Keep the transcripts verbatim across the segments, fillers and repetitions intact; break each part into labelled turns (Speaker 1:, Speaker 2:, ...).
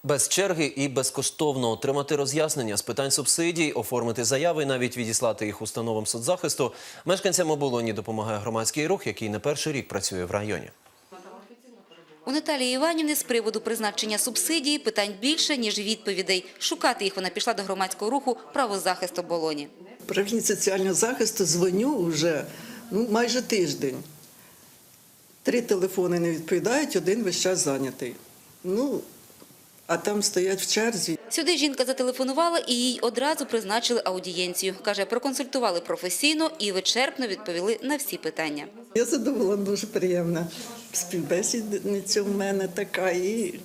Speaker 1: Без черги і безкоштовно отримати роз'яснення з питань субсидій, оформити заяви і навіть відіслати їх установам соцзахисту. Мешканцям оболоні допомагає громадський рух, який не перший рік працює в районі.
Speaker 2: У Наталії Іванівни з приводу призначення субсидії питань більше, ніж відповідей. Шукати їх вона пішла до громадського руху «Правозахист оболоні».
Speaker 3: Управління соціального захисту дзвоню вже ну, майже тиждень. Три телефони не відповідають, один весь час зайнятий. Ну, а там стоять в черзі.
Speaker 2: Сюди жінка зателефонувала і їй одразу призначили аудієнцію. Каже, проконсультували професійно і вичерпно відповіли на всі питання.
Speaker 3: Я задоволена, дуже приємна. Співбесідниця в мене така, і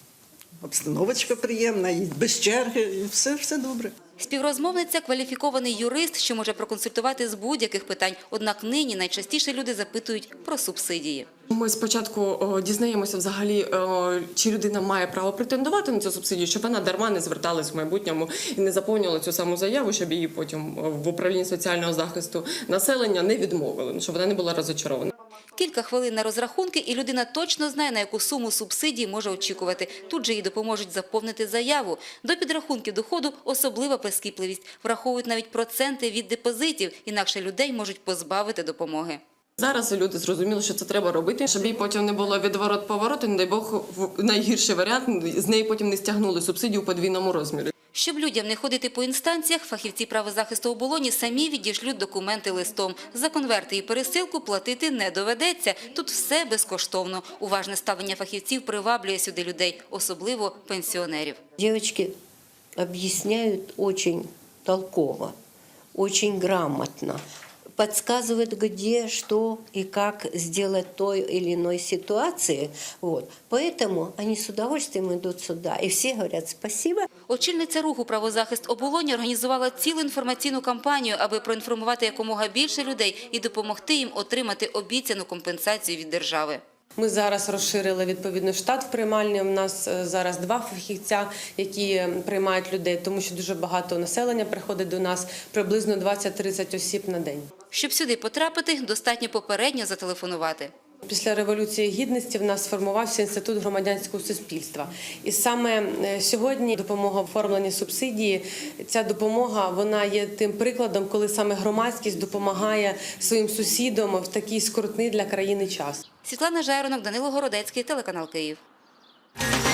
Speaker 3: обстановочка приємна, і без черги, і все, все добре.
Speaker 2: Співрозмовниця – кваліфікований юрист, що може проконсультувати з будь-яких питань. Однак нині найчастіше люди запитують про субсидії.
Speaker 4: Ми спочатку о, дізнаємося взагалі, о, чи людина має право претендувати на цю субсидію, щоб вона дарма не зверталась в майбутньому і не заповнювала цю саму заяву, щоб її потім в управлінні соціального захисту населення не відмовили, щоб вона не була розочарована.
Speaker 2: Кілька хвилин на розрахунки, і людина точно знає, на яку суму субсидії може очікувати. Тут же їй допоможуть заповнити заяву. До підрахунків доходу особлива прискіпливість. Враховують навіть проценти від депозитів, інакше людей можуть позбавити допомоги.
Speaker 4: Зараз люди зрозуміли, що це треба робити, щоб їй потім не було відворот-поворот, і, не дай Бог, в найгірший варіант, з неї потім не стягнули субсидію у подвійному розмірі.
Speaker 2: Щоб людям не ходити по інстанціях, фахівці правозахисту оболоні самі відішлють документи листом. За конверти і пересилку платити не доведеться. Тут все безкоштовно. Уважне ставлення фахівців приваблює сюди людей, особливо пенсіонерів.
Speaker 5: Девочки объясняют очень толково, очень грамотно. Подсказывают, где, что и как сделать той или иной ситуации. Вот. Поэтому они с удовольствием идут сюда. И все говорят спасибо.
Speaker 2: Очільниця руху «Правозахист оболоні» організувала цілу інформаційну кампанію, аби проінформувати якомога більше людей і допомогти їм отримати обіцяну компенсацію від держави.
Speaker 4: Ми зараз розширили відповідно штат в приймальні. У нас зараз два фахівця, які приймають людей, тому що дуже багато населення приходить до нас, приблизно двадцять-тридцять осіб на день.
Speaker 2: Щоб сюди потрапити, достатньо попередньо зателефонувати.
Speaker 4: Після Революції Гідності в нас сформувався Інститут громадянського суспільства. І саме сьогодні допомога в оформленні субсидії, ця допомога вона є тим прикладом, коли саме громадськість допомагає своїм сусідам в такий скрутний для країни час.
Speaker 2: Світлана Жайронок, Данило Городецький, телеканал Київ.